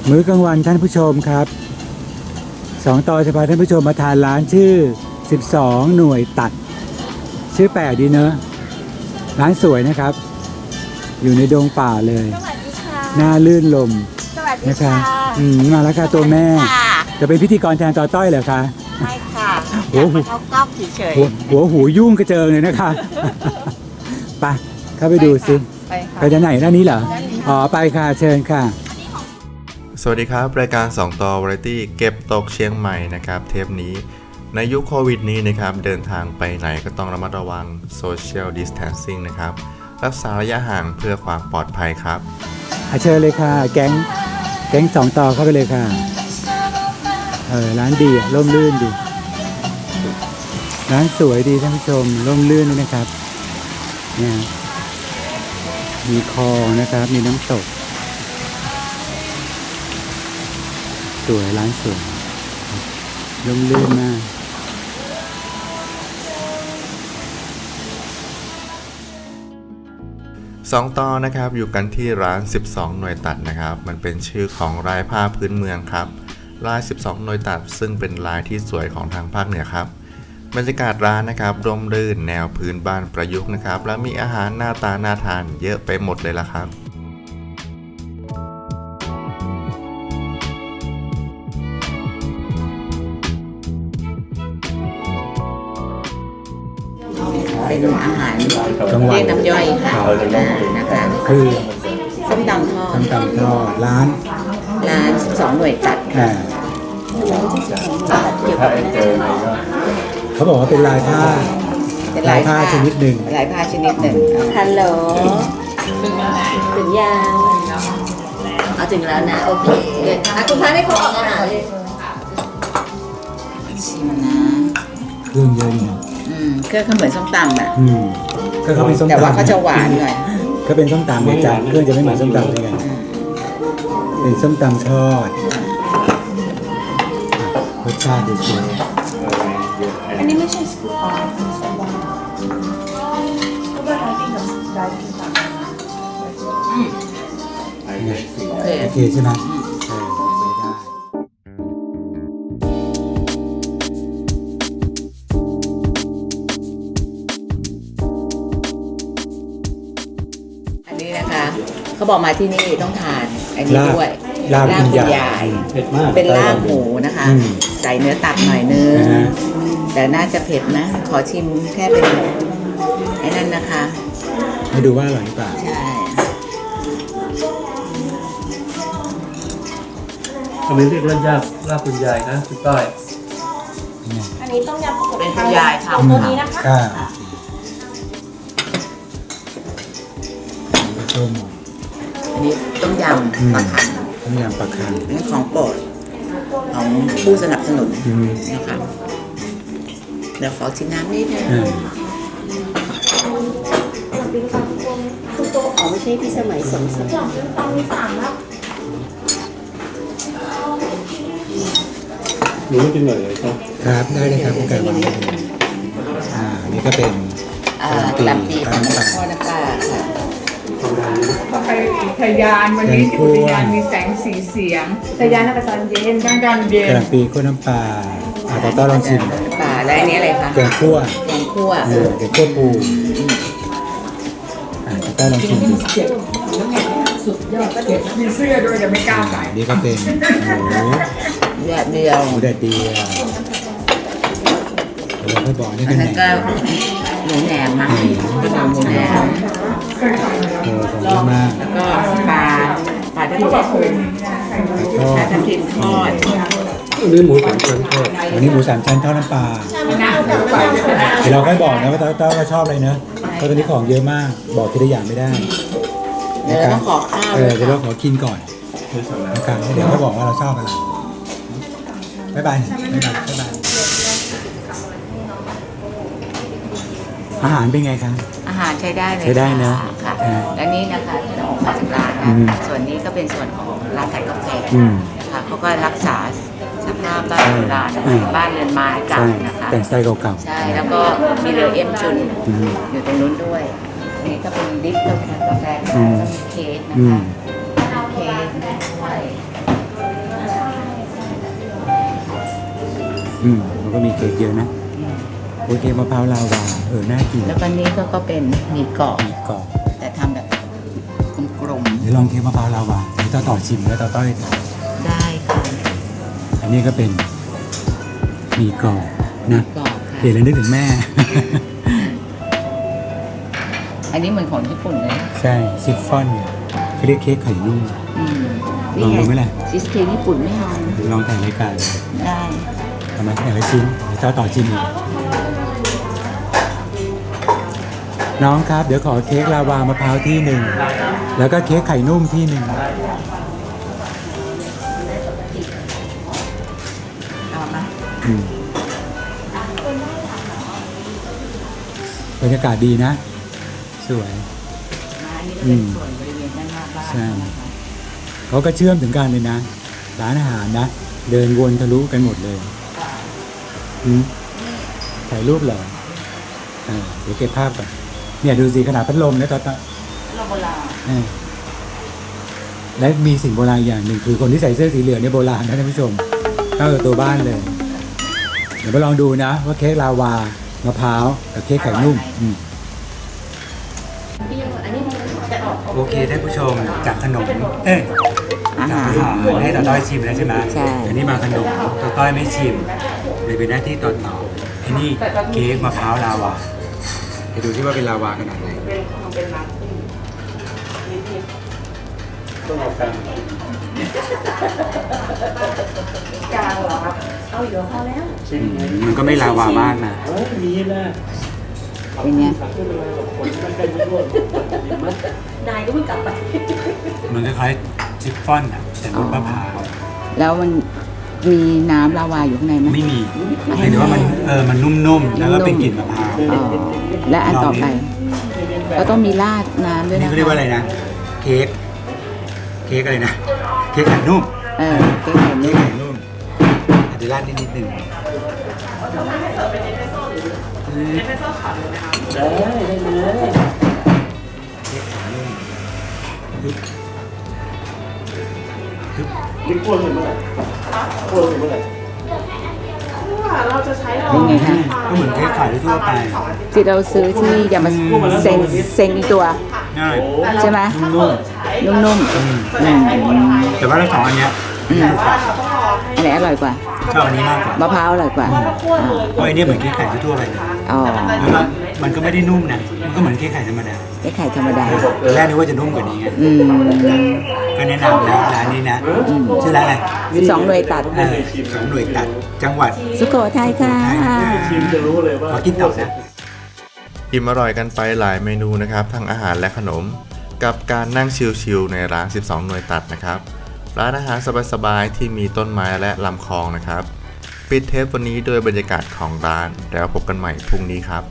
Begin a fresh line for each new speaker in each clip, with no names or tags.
มื้อกลางวันท่านผู้ชมครับสองต่อจะพาท่านผู้ชมมาทานร้านชื่อ12หน่วยตัดชื่อแปลกดีเนอะร้านสวยนะครับอยู่ในดงป่าเลย
สวัสดีค่ะ
หน้าลื่นลม
สวัสดี
นะคะ
ค่ะ
มาแล้วค่ะตัวแม่
ค่ะ
จะเป็นพิธีกรแทนต่อต้อยเหรอคะ
ไม่ค่ะ
โอ้
อยาก
โห
มาเข้ากล้องเฉย
หัวหูยุ่งกระเจิงเลยนะคะ ไปเข้าไปดูสิ
ๆไปค่ะ
ไปด้านไหนด้านนี้เหรออ๋อไปค่ะเชิญค่ะ
สวัสดีครับรายการ2ต่อวาไรตี้เก็บตกเชียงใหม่นะครับเทปนี้ในยุคโควิดนี้นะครับเดินทางไปไหนก็ต้องระมัดระวัง Social Distancing นะครับรักษาระยะห่างเพื่อความปลอดภัยครับ
เชิญเลยค่ะ แก๊งสองต่อเข้าไปเลยค่ะร้านดีอะร่มรื่นดีร้านสวยดีท่านผู้ชมร่มรื่นนี่นะครับเนี่ยมีคลองนะครับมีน้ำตกสวยร้านสวยร่มรื่นมาก
2ต่อนะครับอยู่กันที่ร้าน12หน่วยตัดนะครับมันเป็นชื่อของลายผ้าพื้นเมืองครับลาย12หน่วยตัดซึ่งเป็นลายที่สวยของทางภาคเหนือครับบรรยากาศร้านนะครับร่มรื่นแนวพื้นบ้านประยุกต์นะครับและมีอาหารหน้าตาน่าทานเยอะไปหมดเลยล่ะครับ
เป็นอาหาร
กลางวัน
เรียกน้ำย่อยค่ะนะคะ
คือ
ส้มตำทอด
ส้มตำทอดร้าน
ร้าน12หน่วยตัด
อ่า
เกี่ยวกับอะไรนะ
เขาบอกว่าเป็นลายผ้า
เป็น
ลายผ้าชนิดหนึ่ง
ลายผ้าชนิดหนึ่งฮัลโหลถึงยังเอาถึงแล้วนะโอเคเดี๋ยวคุณพาให้เขาออกอาหารเลยชิมนะ
เครื่องเยอะดีนะ
เครื่องเขาเหมือนส้มตำอ่ะ
ก็เขาเป็นส้มตำ
แต่ว่าเขาจะหวานหน่อย
ก็เป็นส้มตำเนี่ยจ้ะเครื่องจะไม่เหมือนส้มตำเลยกันเป็นส้มตำทอดรสชาติดีสุด
อันนี้ไม่ใช่สกูปาเป็นสวาก็เป็นอะไรที่เราได้ที่ต่าง
โอเคใช่ไหมไม่ได้
อันนี้นะคะเขาบอกมาที่นี่ต้องทานอันนี้ด้วย
ลาบคุณ
คุณ
ยาย
าย
เผ็ดมาก
เป็นลาบหมูนะคะ ใส่เนื้อตับหน่อยนึง
นะฮะ
แต่น่าจะเผ็ดนะ ขอชิมแค่เป็นไอ้นั่นนะคะ
ให้ดูว่าอร่อยหรือเปล่า
ใช่
ทำไมเรียกลาบคุณยายนะคุณต้อย
อันนี้ต้มยำกุ้ง
เป็นคุณยาย
เอา
ทำ
ตัวนี้นะคะ
ค่ะต้ม
อันนี้ต้มยำปลาขัน
ต้มยำปลาคัง
อันนี้ของโปรดของผู้สนับสนุนนะคะเดี๋ยวขอชิมน้ำนิดนึง
คือตัวอ๋อไม่ใช่พี่สมัยสมศักดิ์ตอนมีสามแล้ว
หนูไม่กินหน่อยเลยครับ
ครับได้เลยครับโอกาสวันนี้นี่ก็เป็น
กะหล่ำปีของพ่อน้ำปลาค่ะ
ก็ไปอุทยานวันนี้ที่อุทยานมีแสงสีเสียง
แต่ยานเอาไปตอนเย็น
กลางการเย็
กระ
น
หล่ำปีข้นน้ำปลาต่อต้อลองชิม
ปลาและอันนี้อะไรคะ
แกงคั่ว
แกงคั่ว
แกงคั่วปูต่อต้อลองชิมดู
มีเสื้อด้วยแต่ไม่กล้าใส่
นี่ก็เป็นหมู
แบบเดียว
หมูแดดเดียวเราก็บอกนี่
อั
เป็น น
นั้น
แหน
ก็
ม
หมูแหนมนะเป็นหมูแหนม
ของเยอะมาก
แล้วก็ปลาทับทิม
ทอ
ปลา
ด
ทับทิมทอด
อันนี้หมูสามชั้นทอด
วันนี้หมูสามชั้นทอดน้ำปลาเดี๋ยวเราค่อยบอกนะว่าต้อชอบอะไรเนอะเพราะตอนนี้ของเยอะมากบอกทีละอย่างไม่ได้
เดี๋ยวเราต้องขอข้าว
เดี๋ยวเราขอกินก่อนนะครับเดี๋ยวเขาบอกว่าเราชอบอะไรบ๊ายบายบ๊ายบายบ๊ายบายอาหารเป็นไงครับ
อาหารใช้ได้เลย
ใช้ได้นะ
ค่ะ
อ่า
และนี่นะคะที่เราออกมาจากร้าน
อื
นะ
ม
ส่วนนี้ก็เป็นส่วนของร้านขายกาแฟ
อืม
นะคะเขาก็รักษาสภาพบ้านโบราณ
อืม
บ้านเรือนไม้เก่า
ใช่
นะคะ
แต่งสไตล์เก่า
ใช่แล้วก็มีเรือเอ็มจุน
อืม
อยู่ตรงนู้นด้วยอันนี้ก็เป็นดิฟกาแฟ
อืม
แล้วก็มีเค้กนะ
อื
คะ
ม
เค้กด้วย
มันก็มีเค้กเยอะนะโอเคมะพร้าวลาวาน่ากิน
แล้วก็นี้ก็เป็นหมี่กรอบ
มีกรอบ
แต่ทำแบบกลม
เดี๋ยวลองเค้กมะพร้าวลาวาเดี๋ยวต่อชิมแล้วต่อต้อย
ๆได้ค่ะ
อันนี้ก็เป็นมีกรอบนะ
กรอบค่ะ
เดี๋ยวเรานึกถึงแม่
อันนี้เหมือนของญี่ปุ่นเลย
ใช่ชิฟฟ่อนเขาเรียกเค้กไข่นุ่ม
อืม
ลองดูไหมล่ะ
ชีสเค้กญี่ปุ่นไม่เอา
ลองถ่ายรายการ
ได้
ทำไมแต่ละชิ้นเดี๋ยวต่อชิมอีกน้องครับเดี๋ยวขอเค้กลาวามะพร้าวที่หนึ่งแล้วก็เค้กไข่นุ่มที่หนึ่ง
เอามา
บรรยากาศดีนะ สวย
อันนี้ก็เป็นส่วนบริเวณด้านหน้าบ้าน
ใช่
นะคะ
เขาก็เชื่อมถึงกันเลยนะร้านอาหารนะ เดินวนทะลุกันหมดเลยถ่ายรูปเหรอเดี๋ยวเก็บภาพก่อนเนี่ยดูสิขนาดพัดลมนะตอน
โลโบราณ
และมีสิ่งโบราณอย่างหนึ่งคือคนที่ใส่เสื้อสีเหลืองเนี่ยโบราณนะท่านผู้ชมเข้ากับตัวบ้านเลย เดี๋ยวมาลองดูนะว่าเค้กลาวามะพร้าวกับเค้กไข่นุ่มโอเคท่านผู้ชมจากขนมจากอาหารให้ต่อต้อยชิมแล้วใช่ไหม
ใช่
อันนี้มาขนมต่อต้อยไม่ชิมเลยเป็นหน้าที่ต่ออันนี้เค้กมะพร้าวลาวาไปดูที่ว่าเป็นลาวาขนาดไหน
ต้องเอากัน
กลางเหรอครับ เอาอยู่พอแล้ว
ชิ้นไหน
มันก็ไม่ลาวามากนะ
มีนะ
เป็นไง
คนมันเป็นร่วม
นายก็เพิ่งกลับไป
มันคล้ายๆชิฟฟ่อนอ่ะแต่รสมะพร้าว
แล้วมันมีน้ำลาวาอยู่ข้างในไหม
ไม่มีหมายถึงว่ามันนุ่มๆแล้วก็เป็นกลิ่นมะพร้าว
อ๋อและอันต่อไปก็ต้องมีราดน้ำด้วย
นี่
นะ
เขาเรียกว่าอะไรนะเค้กอะไรนะเค้กไข่นุ่ม
เค้กไข่
เค้
นุ่
ก
ม
ไข่นุ่มอาจจะราดนิดนึง
ได้เลย
เค้กไข่นุ่ม
นี่กลัวถึงเมื่อไหร่กลัวถึงเมื่อไหร่
เราจะใช้เรา
เป็นไงคะ
ก็เหมือนเค้กไข่ทั่วไป
ที่เราซื้อที่ยามาเซ็งอีตัว
ง่าย
ใช่ไหม
นุ่ม
นุ่ม
ๆแต่ว่าทั้งสองอันเนี้ย
ๆอันไหนอร่อยกว่า
ชอบอันนี้มากกว่าม
ะพร้าวอร่อยกว่า
เพราะอันนี้เหมือนเค้กไข่ทั่วไปเลย
อ๋อ
แล้วก็มันก็ไม่ได้นุ่มนะมันก็เหมือนเค้กไข่ธรรมดา
เค้กไข่ธรรมดา
ตอนแรกนึกว่าจะนุ่มกว่านี้ไง
อืม
ก็แนะนำนะร้านนี้นะชื่อร้านอะไร
12 หน่วยตัด
สองหน่วยตัดจังหวัด
สุโขทัยค่ะ
ชิมจะรู้เลยว่า
ขอกินต่อนะ
อิ่มอร่อยกันไปหลายเมนูนะครับทั้งอาหารและขนม กับการนั่งชิลๆในร้าน 12 หน่วยตัดนะครับ ร้านอาหารสบายๆที่มีต้นไม้และลำคลองนะครับ ปิดเทปวันนี้ด้วยบรรยากาศของร้าน แล้วพบกันใหม่พรุ่งนี้ครับ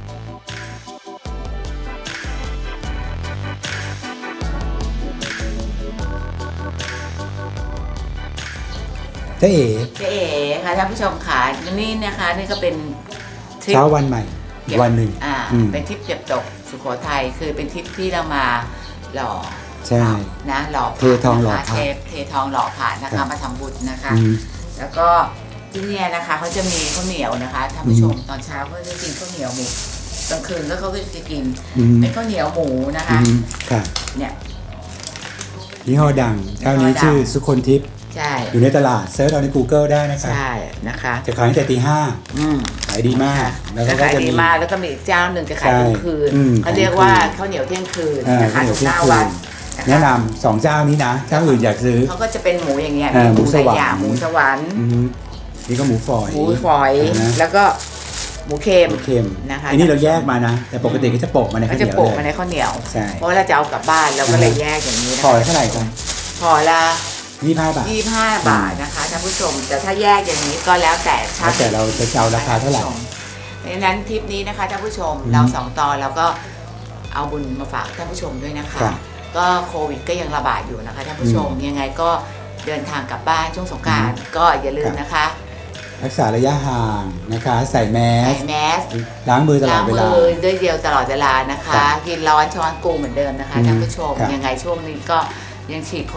เจ๊เอ๋
เจ๊เอ๋ค่ะท่านผู้ชมค่ะนี่นะคะนี่ก็เป็นทริป
เช้าวันใหม่อีกวันหนึ่ง
เป็นทริปเก็บตกสุโขทัยคือเป็นทริปที่เรามาหล่อ
ใช่
นะหล่อ
เททองหล่อพระ
เททองหล่อผ่านนะ
ครั
คะ
บ
มาทำบุญนะคะ
อืม
แล้วก็ที่เนี่ยนะคะเขาจะมีข้าวเหนียวนะคะท่านผู้ชมตอนเช้าก็จะกินข้าวเหนียวหมูกลางคืนก็เขาก็จะกินเป็นข้าวเหนียวหมูนะคะ
ค่ะ
เนี่ย
ยี่ห้อดังเจ้านี้ชื่อสุคนทิพย์
ใช่
อยู่ในตลาดเซิร์ชเอาใน Google ได้นะครับ
ใช่นะคะ
จะขายตั้งแต่ตีห้า
อืม
ขายดีมาก แล้วก็
จะขาย
จะ
ดี
มี
มากแล้วก็มีอีกเจ้าหนึ่งจะขาย
ใช่
กลางคืน
อืม
เขาเรียกว่าข้าวเหนียวเที่ยงคืนนะคะ
ข้าวเหนียว
ทุก
เที่
ห
ยง
น้า
คื
วัน
นแนะนำสองเจ้านี้นะ เจ้าอื่นอยากซื้อ
เขาก็จะเป็นหมูอย่างเงี้ย
หมูสวรรค์
หลายอย่างหมูสวรรค์
นี่ก็หมูฝอย
หมูฝอย
นะ
แล้วก็หมูเค็ม
หมูเค็ม
นะคะ
อันนี้เราแยกมานะ แต่ปกติก็จะโปะมาใน
ก็
ข้าวเห
จะ
นียว
โปะ
เล
มาใน
ย
ข้าวเหนียว
ใช่
เพราะว่าเราจะเอากลับบ้านเราก็เลยแยกอย่างนี้นะ
ฝอย
คะ
เท่าไหร่ครับ
ห่อละ
25 บาท
25 บาทนะคะท่านผู้ชมแต่ถ้าแยกอย่างนี้ก็แล้วแต่ช่าง
แล้วแต่เราจะเอาราคาเท่าไหร่
เพราะฉะนั้นทริปนี้นะคะท่านผู้ชมเราสองต่อเราก็เอาบุญมาฝากท่านผู้ชมด้วยนะคะ
ครับ
ก็โควิดก็ยังระบาดอยู่นะคะท่านผู้ชมยังไงก็เดินทางกลับบ้านช่วงสงกรานต์ก็อย่าลืมนะคะ
รักษาระยะห่างนะคะ ใส่แม
ใส่
ส
แมส
ล้างมือตลอ
ล้า
ด
ง
เว
มื
ลา
อด้วยเดียวตลอดเวลานะคะ
ครับ
กินร้อนช้อนกูเหมือนเดิมนะคะ
อืม
ท่านผู้ชม
ครับ
ยังไงช่วงนี้ก็ยังฉีดโค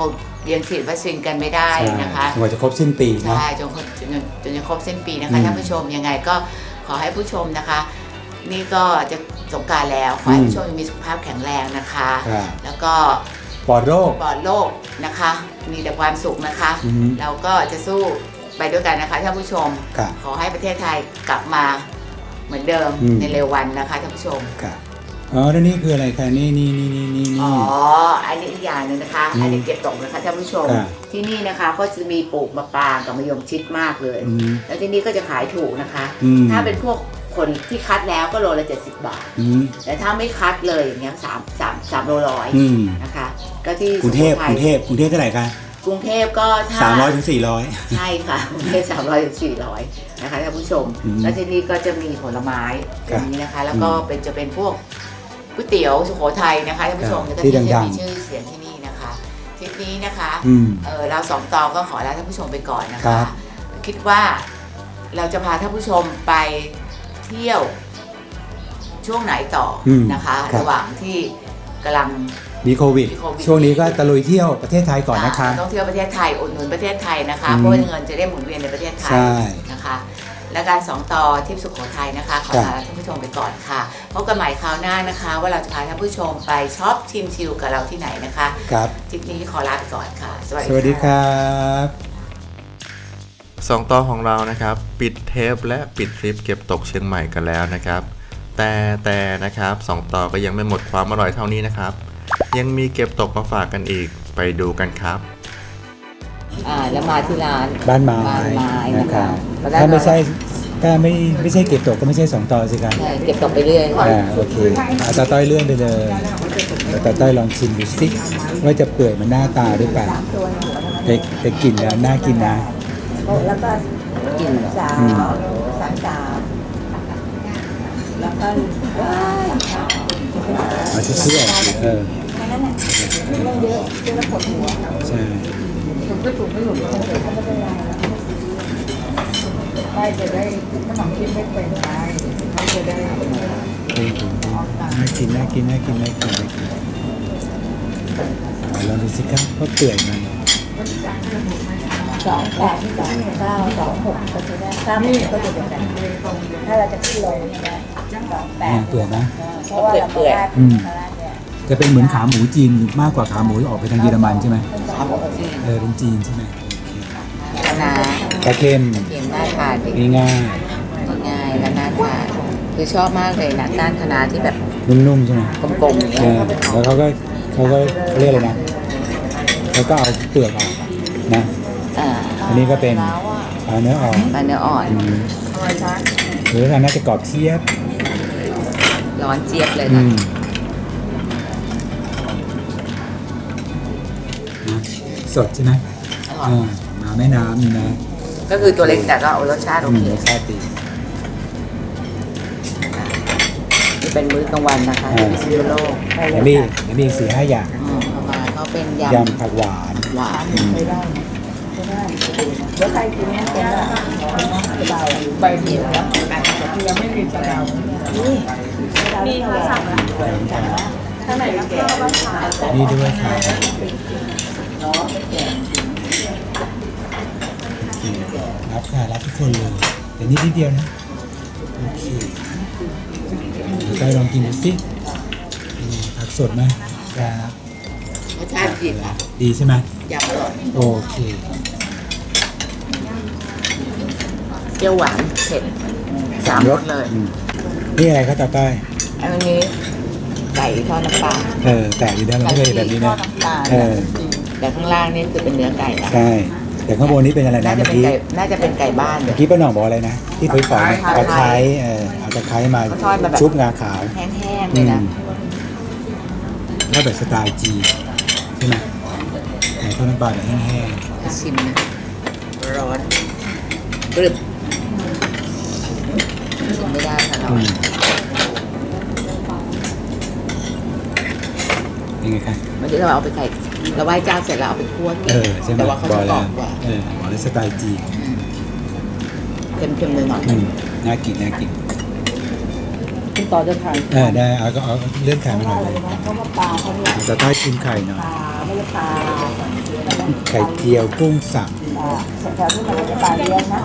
ยังฉีดวัคซีนกันไม่ได้นะคะ
จนกว่าจะครบสิ้นปีนะ
ใช่จนจะครบสิ้นปีนะคะท่านผู้ชมยังไงก็ขอให้ผู้ชมนะคะ นี่ก็จะสงกรานต์แล้วขอให้ผู้ชมมีสุขภาพแข็งแรงนะคะ
ครับ
แล้วก็
ปลอดโรค
ปลอดโรคนะคะ มีแต่ความสุขนะคะ
อือฮึ
เราก็จะสู้ไปด้วยกันนะคะท่านผู้ชม
ครับ
ขอให้ประเทศไทยกลับมาเหมือนเดิม
อืม
ในเร็ววันนะคะท่านผู้ชม
ครับอ๋อแล้วนี่คืออะไรคะนี่
อ๋อ อันนี้อีกอย่างหนึ่งนะคะ
อืม
อันนี้เก็บตกนะคะท่านผู้ชม
ครับ
ที่นี่นะคะก็จะมีปลูกมะปรางกับมะยงชิดมากเลย
อืม
แล้วที่นี่ก็จะขายถูกนะคะ
อืม
ถ้าเป็นพวกคนที่คัดแล้วก็โลละ70 บาท
อืม
แต่ถ้าไม่คัดเลยอย่างเงี้ย3 โลร้อย
อืม
นะคะ ก็ที่
กรุงเทพ
สุโขทั
ก
ย
รุงเทพเท่าไหร่คะ
กรุงเทพก็ถ้า
300ถึง400
ใช่ค่ะกรุงเทพ300 ถึง 400นะคะท่านผู้ชม
อืม
แล้วที่นี่ก็จะมีผลไม้อ
ครับ
ย่างนี้นะคะ แล้วก็จะเป็นพวกก๋วยเตี๋ยวสุโขทัยนะคะท่านผู้ชม
ครับ
แล้วก็
ที่
ที่
ดั
จะ
งๆ
มีชื่อเสียงที่นี่นะคะทริปนี้นะคะ
อืม
เราสองต่อก็ขอลาท่านผู้ชมไปก่อนนะ
ครั
คะ
บ
คิดว่าเราจะพาท่านผู้ชมไปเที่ยวช่วงไหนต่ออ
ม
นะคะ
ครับ
ระหว่างที่กำลัง
มีโควิด
มีโควิด
ช่วงนี้ก็ตะลุยเที่ยวประเทศไทยก่อนนะคะ
ท่องเที่ยวประเทศไทยอุดหนุนประเทศไทยนะคะ
อืม
เพราะว่าเงินจะได้หมุนเวียนในประเทศไทย
ใช่
นะคะ และการสองต่อทริปสุโขทัยนะคะ ขอ
ครับ
ลาท่านผู้ชมไปก่อนค่ะพบกันใหม่คราวหน้านะคะ ว่าเราจะพาท่านผู้ชมไปช็อปชิมชิลกับเราที่ไหนนะคะ
ครับ
ทริปนี้ขอลาไปก่อนค่ะ
สวัสดีครับ
สองต่อของเรานะครับ ปิดเทปและปิดทริปเก็บตกเชียงใหม่กันแล้วนะครับ แต่นะครับสองต่อก็ยังไม่หมดความอร่อยเท่านี้นะครับ ยังมีเก็บตกมาฝากกันอีกไปดูกันครับ
แล้วมาที่ร้าน
บ้านไม้
นะ
นะคะ
ตอนแรก
ถ้าไม่ใช่เก็บตกก็ไม่ใช่2ต่อสิครับ
ใช่เก็บตกไปเรื่อย
โอเคเอาตาต้อยเลื่อนไปเลยเดี๋ยวตาต้อยลองชิมดูสิว่าจะเปื่อยเหมันหน้าตาหรือเปล่าแต่กลิ่นแล้วน่ากินนะ
แล้วก็
กิน
อืม
แล้วก็ว้าย
เอาชื่อออกสิ
แค่นั้นแหละไม่ต้องเยอะเยอะแล้วปวดหัว
ใช่
ได้จะได้ขนมกินไม่เป็นไรเขาจะได้
น่ากินลองดูสิครับว่าเปื่อยไหม
28 29 26ก็จะได้36ก็จะเป็นแบบถ้าเราจะขึ้นลงได้
เปื่อยนะ
เพราะว่าเราได้
อืม จะเป็นเหมือนขาหมูจีนมากกว่าขาหมูออกไปทางเยอรมันใช่ไหม
ขาหมูจีน
เป็นจีนใช่ไหม
คณะ
ปลาเค็ม
เค็มน่าทานดี
ง่าย
ง่ายและน่าทานคือชอบมากเลยนะก้านคณะที่แบบ
ๆนุ่มๆใช่ไหม
กลมๆอย่างเงี้ย
แล้วเขาก็เขาเรียกอะไรนะเขาก็เอาเปลือกออกนะ อันนี้ก็เป็นปลาเนื้ออ่อน
ปลาเนื้ออ่อน
อืมหรือทางน่าจะกรอบเทียบ
ร้อนเจี๊ยบเลย
อื
นะ
มสดใช่ไหม
อร่อย
มาแม่น้ำนี่นะ
ก็คือตัวเล็กแต่ก็เอารสชาติโอเค
รสชาติดี
นี่เป็นมื้อกลางวันนะคะที่พิษณุโลก
แล้วมีอีก4-5 อย่าง
ประมาณเขาเป็นย
ยำผักหวาน
ำหวาน
แล้วใครกินเนี่ยเป็นแบบเบา
ใบเดียวแล้วแต่ยังไม่มีสะเดา
มีโทรศัพท์นะข้างไหนก็ข้าวบ้านขาย
นี่ด้วยค่ะรับค่ะรับทุกคนเลยแต่นิดเดียวนะโอเคเดี๋ยวไปลองกินดูสิผักสดไหมครับ
รสชาติดีค่ะ
ดีใช่ไหม
ยำอร่อย
โอเค
เปรี้ยวหวานเผ็ด3 รสเลย
อืมนี่อะไรครับตาต้อย
อันนี้ไก่ทอดน้ำปลา
แปลกดีนะมันไม่เคยเห็นแบบนี้นะ
แต่ข้างล่างนี่คือเป็นเนื้อไก่นะ
ใช่แต่ข้างบนนี้เป็นอะไรนะ
น่าจะ
เมื่อ
เป็น
กี้
ไก่น่าจะเป็นไก่บ้านเล
เมื่อย กี้ป้าหน่องบอกอะไรนะที่ฝอยๆนะ
ตะ
ตะ
ไค
ไค
ร้
ร้เอาตะไคร้มา
เขาทอดมาแบบ
ชุบงาขาว
แห้งๆเลยนะ
แล้วแบบสไตล์จีนใช่ไหมไก่ทอดน้ำปลาแบบแห้ง
ชิมนะร้อนกรึบชิมไม่ได้ค่ะ
ๆ
เรา
ยังไงคะ
มันจะเราเอาไปไก่เราไหว้เจ้าเสร็จเราเอาไปคั่วกิน
ใช่ไหม
แต่ว่าเขา
บอ
จะ
ก
กร
แล้
อ
ว
บกว่า
บอกเลยสไตล์จีน
เค็มๆหน่อย
น่ากิน
คุณต่อจะทาน
ได้เอาเลื่อนไข่มาหน่อยเลย
เพราะว่าปลาเขาเนี่ย
จะใต้กินไข่หน่อย
ปลาไม่ใช่ปลา
ไข่เจียวกุ้งสับ
แถวๆที่มันจะตายเลี้ยงนะ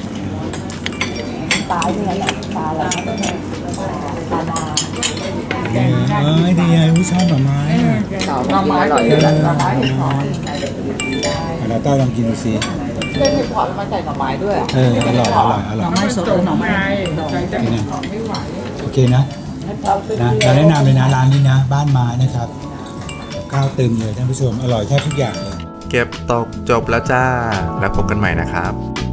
ตายเนี่ยแหละตายอะไรนะตานา
ดีไงผู้ชอบหน่อไม้
หน่อไม้อร่อยด้วย
หน่อไม้เห็ดหอม
เราต้าลองกินดูสิ
เล่นเห็ดหอมมาใส่หน่อไม้ด้วย
อร่อยอร่อย
หน่อไม้สดหรือหน่อไม้ดอง
นี่นะโอเคนะเราแนะนำเลยนะร้านนี้นะ บ้านไม้นะครับข้าวเต็มเลยท่านผู้ชมอร่อยแทบทุกอย่างเลย
เก็บตกจบแล้วจ้า แล้วพบกันใหม่นะครับ